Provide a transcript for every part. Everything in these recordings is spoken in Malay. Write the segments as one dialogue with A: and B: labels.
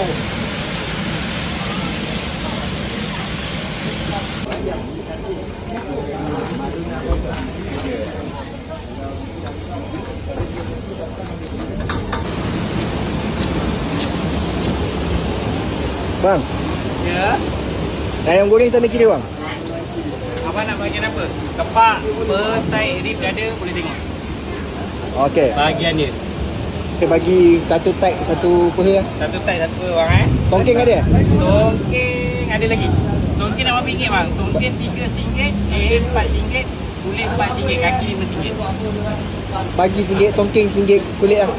A: Bang.
B: Ya.
A: Ayam goreng sana kiri bang.
B: Abang nak bahagian apa? Kepak, petai, rib ada, boleh tengok.
A: Okey.
B: Bahagian dia.
A: Kita bagi satu type, satu peha.
B: Satu tai, satu bang
A: Tongking ada?
B: Tongking ada lagi. Tongking RM8 bang. Tongking RM3, RM4, kulit RM4, kaki RM5.
A: Bagi RM1, tongking RM1, kulit lah.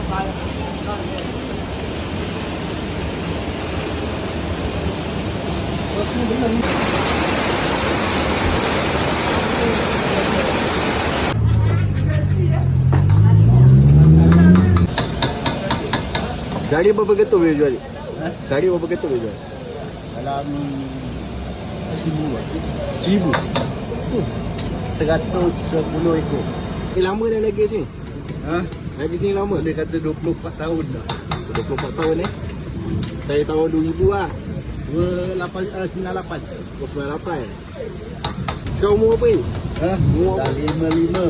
A: Sehari berapa ketul boleh jual? Sehari berapa ketul boleh jual?
C: Dalam 1,000. 110 ekor.
A: Lama dah lagi sini?
C: Ha?
A: Lagi sini lama?
C: Dia kata 24 tahun dah.
A: 24 tahun Dari tahun 2000 lah.
C: 98.
A: 98. Sekarang umur apa ni?
C: Ha?
A: Umur
C: Dah
A: apa?
C: 55.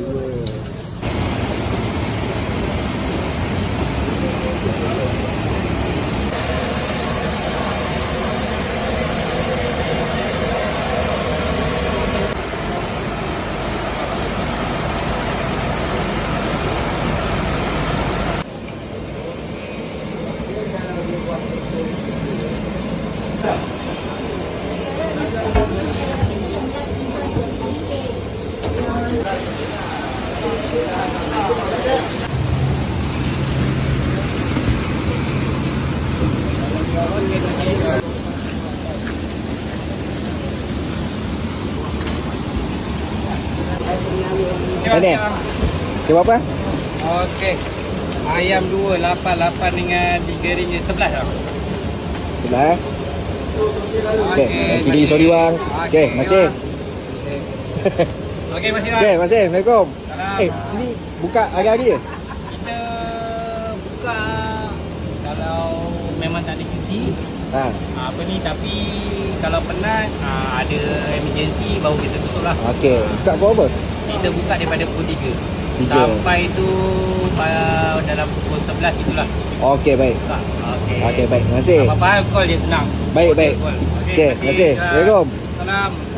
A: Ini? Dia berapa?
B: Okey. Ayam 288 dengan RM3 11 dah.
A: Sebelah. Okey, yang kiri sorry bang. Okey, masih.
B: Okey, masih bang.
A: Okey, masih. Assalamualaikum.
B: Salam.
A: Sini buka hari-hari je?
B: Kita buka kalau memang tak ada cuti.
A: Ha.
B: Apa ni, tapi kalau penat ada emergency baru kita tutup lah.
A: Okey, buka pukul apa?
B: Kita buka daripada pukul 3
A: 3.
B: sampai tu dalam pukul 11 itulah.
A: Okey, baik.
B: Buka. Okey.
A: Okey, baik. Terima kasih.
B: Apa-apa call je senang.
A: Baik, baik.
B: Call.
A: Okey, terima kasih. Assalamualaikum.
B: Salam.